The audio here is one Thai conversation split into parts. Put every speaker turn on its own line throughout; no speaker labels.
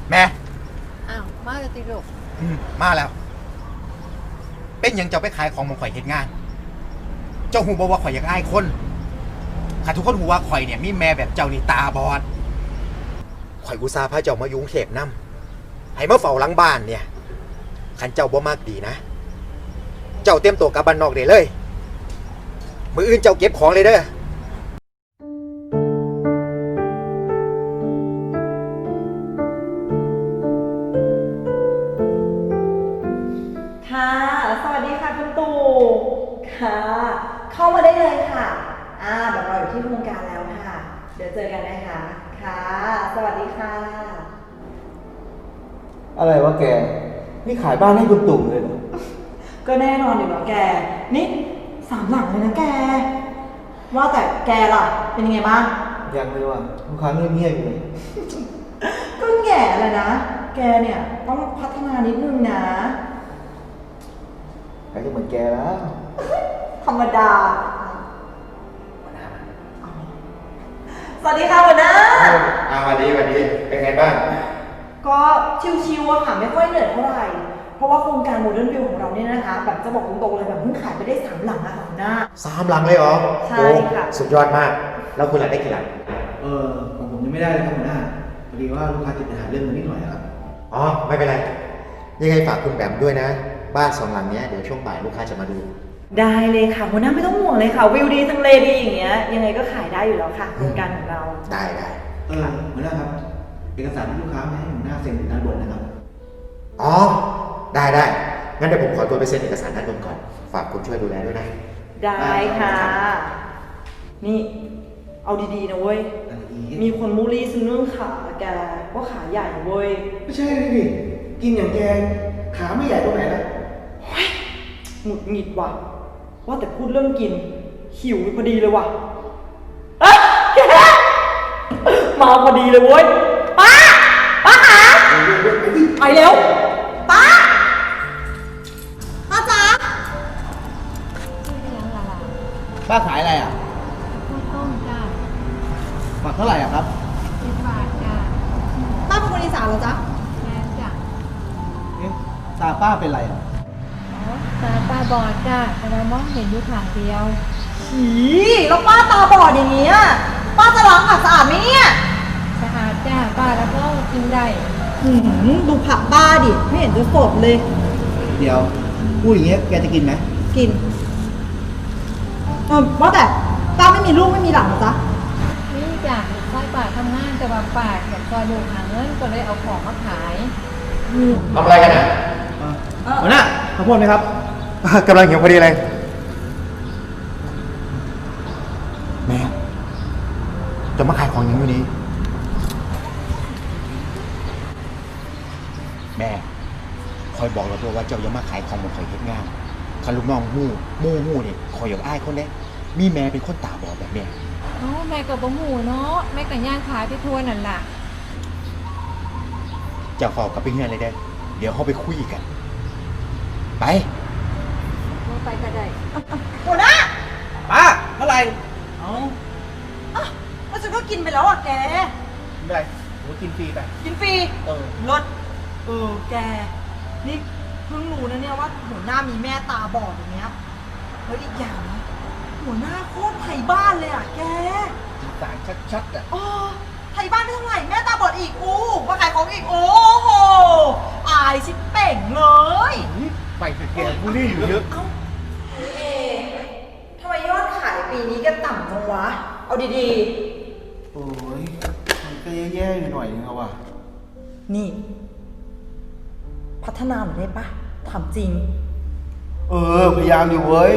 แม่
อ้าวมาแล้วติลูก
มาแล้วเป็นยังเจ้าไปขายของมองข่อยเฮ็ดงานเจ้าหูบอกว่าข่อยอยากอายคนข้าทุกคนหูว่าข่อยเนี่ยมีแม่แบบเจ้านี่ตาบอดข่อยอุตส่าห์พาเจ้ามายุ่งเทพนำให้มาเฝ้าหลังบ้านเนี่ยคันเจ้าบ่มากดีนะเจ้าเตรียมตัวกลับบ้านนอกได้เลยมื้ออื่นเจ้าเก็บของเลยเด้อ
ค่ะสวัสดีค่ะคุณตู่ค่ะเข้ามาได้เลยค่ะแบบเราอยู่ที่โครงการแล้วค่ะเดี๋ยวเจอกันนะคะค่ะสวัสดีค่ะ
อะไรวะแกนี่ขายบ้านให้คุณตู่เลยเหรอ
ก็แน่นอนอยู่แล้วแกนี่3 หลังเลยนะแกว่าแต่แกล่ะเป็นยังไงบ้าง
ยังเลยว่ะลูกค้าเงียบๆอยู่เลย
ก็แง่เลยนะแกเนี่ยต้องพัฒนานิดนึงนะ
ใครจะเหมือนแกแล้ว
ธรรมดาสวัสดีค่ะหัวหน้า
วันนี้เป็นไงบ้าง
ก็ชิวๆอะค่ะไม่ค่อยเหนื่อยเท่าไหร่เพราะว่าโครงการโมเดิร์นวิวของเราเนี่ยนะคะแบบจะบอกตรงๆเลยแบบเพิ่งขายไปได้3 หลังอะค่ะหัวหน้า
3 หลังเลยเหรอ
ใช่ค่ะ
สุดยอดมากแล้วคุณหลังได้กี่หลัง
ของผมยังไม่ได้เลยครับหัวหน้าพอดีว่าลูกค้าติดปัญหาเรื่องเงินนิดหน่อยครับ
อ๋อไม่เป็นไรยังไงฝากคุณแบมด้วยนะบ้าน2 หลังเนี้ยเดี๋ยวช่วงบ่ายลูกค้าจะมาดู
ได้เลยค่ะหัวหน้าไม่ต้องห่วงเลยค่ะวิวดีทางเลดีอย่างเงี้ยยังไงก็ขายได้อยู่แล้วค่ะโครงการของเรา
ได้
หัวหน้าครับเอกสารที่ลูกค้ามาให้หัวหน้าเซ็นด้านบนนะครับ
อ๋อได้งั้นเดี๋ยวผมขอตัวไปเซ็นเอกสารด้านบนก่อนฝากคุณช่วยดูแลด้วยนะ
ได้ค่ะนี่เอาดีๆนะเว้ยมีคนมูลี่ซื้อเรื่องขาแกว่าขาใหญ่เว้ย
ไม่ใช่เลยดิกินอย่างแกขาไม่ใหญ่ตรงไหนล่ะ
หงุดหงิดว่ะว่าแต่พูดเรื่องกินหิวพอดีเลยว่ะเอ๊ะแกมาพอดีเลยเว้ยป้าคะไปเร็วป้าจ๋า
ป้าขายอะไรอ่ะ
ข้าวต้มจ้า
ฝักเท่าไหร่อ่ะครับ
10 บาทจ้า
ป้าเป็นคนอีสานเหรอจ๊ะ
แม่จ้ะ
ตาป้าเป็นไรอ่ะ
ตาป้าบอดจ้าแต่เรามองเห็นอยู่ข้างเดียว
แล้วป้าตาบอดอย่างนี้ป้าจะล้างผักสะอาดไหมเนี่ย
สะอาดจ้าป้าแล้วก็กินได้
ดูผักป้าดิไม่เห็นจะสดเลย
เดี๋ยวพูดอย่างเงี้ยแกจะกินไหม
กินว่าแต่ป้าไม่มีลูกไม่มีหลานหรอจ๊ะ
นี่จ้ะใช่ป้าทำงานแต่ว่าป้าอยากซอยลูกหาเงินก็เลยเอาของมาขาย
ทำอะไรกันอ่ะ
หัวหน้าข้าวโพดไหมครับ
กำลังหิวพอดีเลยแม่จะมาขายของอย่างนี้แม่คอยบอกเราตัวว่าเจ้าอย่ามาขายของบนข่อยเฮ็ดงานคันลูกน้องหูนี่คอยอยากอ้ายคนเด้มีแม่เป็นคนตาบอดแบบเนี้ย
แม่กับบ่หูเนาะแม่กับย่างขายไปทั่วนั่นล่ะ
เจ้าเฝ้ากับไปเฮือนเลยเด้เดี๋ยวเขาไปคุยกันไป
ก็ได้
หัวหน้า
ป้าเท่าไหร่
แล้วฉันก็กินไปแล้วแก
ไม่ได้ผมกินฟรีไป
กินฟรีลดแกนี่เพิ่งรู้นะเนี่ยว่าหัวหน้ามีแม่ตาบอดอย่างเงี้ยแล้วอีกอย่างนะหัวหน้าโคตรไทยบ้านเลยแก
สารชัด
ไทยบ้านไม่เท่าไหร่แม่ตาบอดอีกมาขายของอีกโอ้โหอายชิบเป่งเลย
ไปเถอะแกบุรี่อยู่เยอะ
ทำไมยอดขายปีนี้ก็ต่ำจังวะเอาดี
ๆโอ้ยมันก็แย่ๆหน่อยนึงเอาว่ะ
นี่พัฒนาหน่อยได้ปะถามจริง
พยายามอยู่เว้ย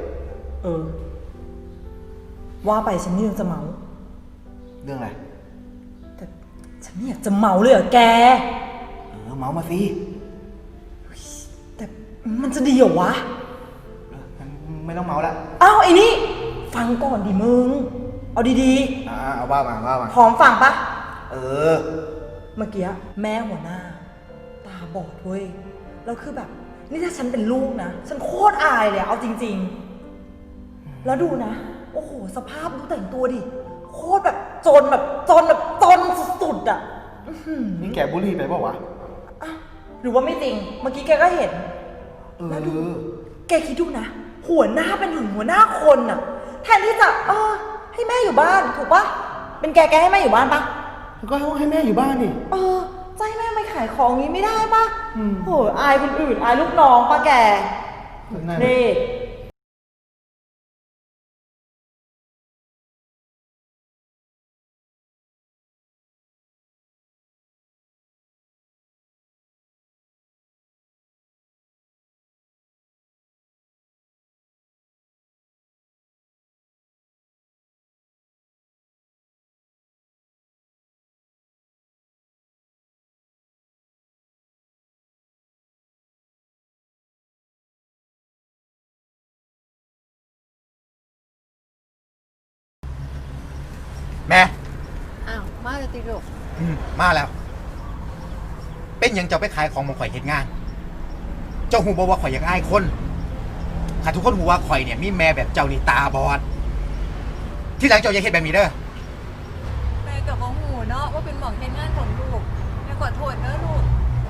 ว่าไปฉันนี่ยังจะเมา
เรื่องอะไร
แต่ฉันไม่อยากจะเมาเลยแก
เมามาสิ
แต่มันจะดีเหรอวะ
ไม่ต้องเมาแล้ว
ไอ้นี่ฟังก่อนดิมึงเอาดี
ๆเอาว่ามา
พร้อมฟังปะเมื่อกี้แม่หัวหน้าตาบอดเว้ยแล้วคือแบบนี่ถ้าฉันเป็นลูกนะฉันโคตรอายเลยเอาจริงๆแล้วดูนะโอ้โหสภาพดูแต่งตัวดิโคตรแบบจนสุดๆ
นี่แกบุหรี่ไปเปล่าวะ
หรือว่าไม่จริง เมื่อกี้แกก็เห็น แล้วดู แกคิดดูนะ หัวหน้าเป็นถึงหัวหน้าคนน่ะ แทนที่จะให้แม่อยู่บ้านถูกปะเป็นแกให้แม่อยู่บ้านปะ
แล้วก็ให้แม่อยู่บ้านนี่
จะให้แม่ไปขายของงี้ไม่ได้ปะโหอายคนอื่นอายลูกน้องปะแกนี่
แม่
อ้าวมาจะติลูก
มาแล้ว เป็นหยังเจ้าไปขายของของข่อยเฮ็ดงาน เจ้าหูบอกว่าข่อยอยากอายคนข้าทุกคนหูว่าข่อยเนี่ยมีแม่แบบเจ้านี่ตาบอด ที่หลังเจ้าอย่าเฮ็ดแบบนี้เด้อ
แม่กับของหูเนาะว่าเป็นหมองเฮ็ดงานของลูกแม่ขอโทษเด้อลูก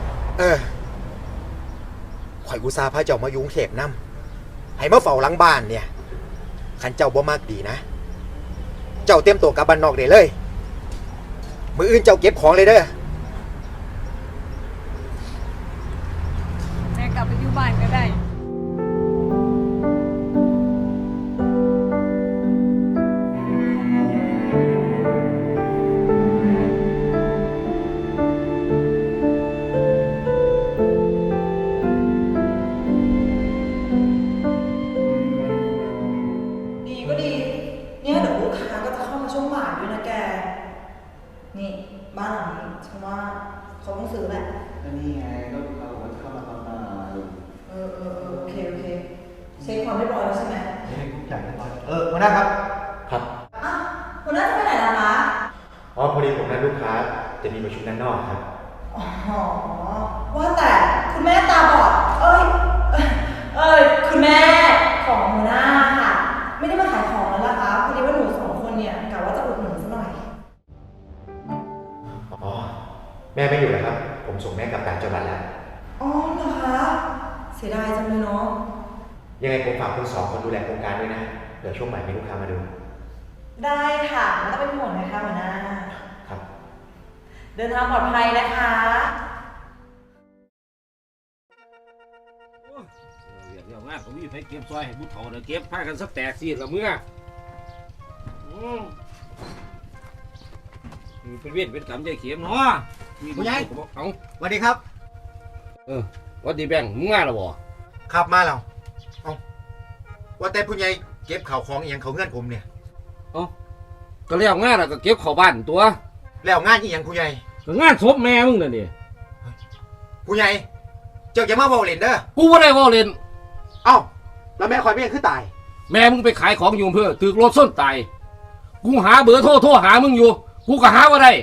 ข่อยอุตส่าห์พาเจ้ามาอยู่กรุงเทพนำให้มาเฝ้าหลังบ้านเนี่ยคันเจ้าบ่มากดีนะ เจ้าเตรียมตัวกลับบ้านนอกได้เลย มื้ออื่นเจ้าเก็บของเลยเด้อ
แม่กลับไปอยู่บ้านก็ได้
ดีก็ดี เนี่ยเดี๋ยวลูกค้าก็จะเข้ามาช่วงบ่ายด้วยนะแก นี่บ้านหลังนี้ฉันว่าเขาต้องซื้อแหละ
ก็นี่ไงก็ลูกค้าบอกว่าเข้ามาตอนบ่าย
โอเคเช็คความเรียบร้อยแล้วใช่ไหม
เช็คทุกอย่างเรียบร้อยหัวหน้าครับ
ครับ
คุณน่าจะไปไหนล่ะคะ
อ๋อพอดีผมนัดลูกค้าจะมีประชุมด้านนอกครับ
อ๋อ ว่าแต่คุณแม่ตาบอด คุณแม่ของหัวหน้าค่ะ ไม่ได้มาขายของแล้วล่ะคะพอดีว่าหนูสองคนเนี่ยกะว่าจะอุดหนุนซะหน่อย
อ๋อ แม่ไม่อยู่แล้วครับ ผมส่งแม่กลับต่างจังหวัดแล้ว
อ๋อเหรอคะ เสียดายจังเลยเนาะ
ยังไงผมฝากคุณสองคนดูแลโครงการด้วยนะ เดี๋ยวช่วงใหม่มีลูกค้ามาดู
ได้ค่ะไม่ต้องเป็นห่วงนะคะหัวหน้า
ครับ
เดินทางปลอดภัยนะคะ
เรียกงานผมมีไฟเก็บซอยให้ผู้เฒ่าเดี๋ยวเก็บผ้ากันสักแตกสิละเมื่อเป็นเวทเป็นกรรมใจเข็มเนาะมี
ผู้ใหญ่
เอา
สวัสดีครับ
วัดดีแบงมึงมาแล้วบ่
ครับมาแล้วเอาว่าแต่ผู้ใหญ่เก็บข่าวของอหย่างเขาเงื่อนผมเนี่ย
ก็เรียกงานแล้วก็เก็บเข้าบ้านตัว
แล้วงานอีหยังผู้ใหญ่
ก็งานศพแม่มึงน่ะนี่
ผู้ใหญ่ เจ้าจะมาเว้าเล่นเด้อ
กูบ่ได้เว่าเล่น
เอ้า แล้วแม่คอยไม่ยังคือตาย
แม่มึงไปขายของอยู่อำเพื่อตึกรถส้นตายกูหาเบอร์โทรหามึงอยู่กูก็หาว่าได้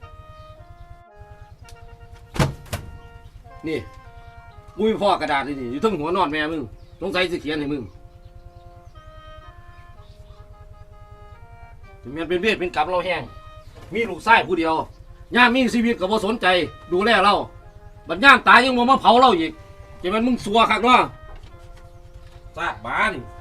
นี่กูมีพ่อกระดาษนี่อยู่ทั้งหัวนอนแม่มึงสงสัยสิเขียนให้มึงถึงแม้เป็นเวทเป็นกรรมเราแห้งมีลูกชายผู้เดียวย่ามมีชีวิตก็บ่สนใจดูแลเราบัดย่ามตายยังมาเผาเราอีกจะมันมึงสัวคักเนาะซาดบ้าน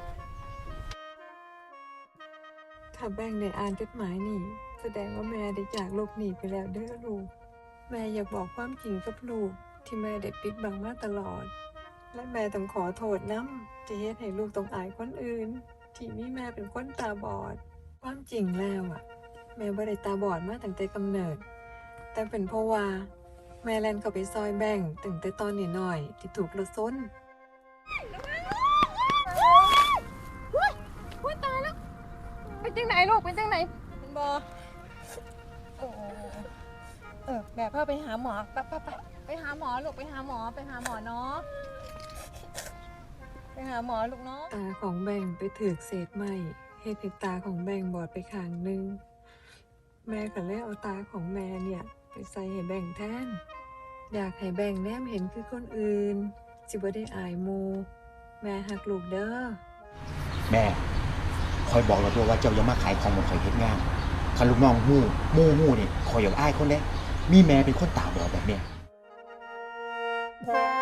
ถ้าแบ่งได้อ่านจดหมายนี่แสดงว่าแม่ได้จากโลกนี้ไปแล้วเด้อลูก แม่อยากบอกความจริงกับลูกที่แม่ได้ปิดบังมาตลอด และแม่ต้องขอโทษน้ำจะเฮ็ดให้ลูกต้องอายคนอื่น ที่มีแม่เป็นคนตาบอด ความจริงแล้วแม่บ่ได้ตาบอดมาตั้งแต่กำเนิด แต่เป็นเพราะว่าแม่แล่นเข้าไปซอยแบ่งตั้งแต่ตอนน้อยๆที่ถูกรถชน
อุ้ยตายแล้ว เป็นจังไหนลูก เป็นจังไหนเป็นบอแบบพาไปหาหมอไปหาหมอลูก ไปหาหมอเนาะ ไปหาหมอลูกเนาะ
ตาของแบ่งไปถือกเศษไม้เฮ็ดให้ตาของแบ่งบอดไปข้างหนึง แม่ก็เลยเอาตาของแม่เนี่ย ไปใส่ให้แบ่งแทน อยากให้แบ่งแนมเห็นคือคนอื่นสิบ่ได้อายหมูแม่หักลูกเด้อ
แม่ คอยบอกเราตัวว่าเจ้าอย่ามาขายของของข่อยเฮ็ดงานคันลูกน้องหู้มู่นี่ข่อยอยากอายคนเด้มีแม่เป็นคนตาบอดแบบเนี้ย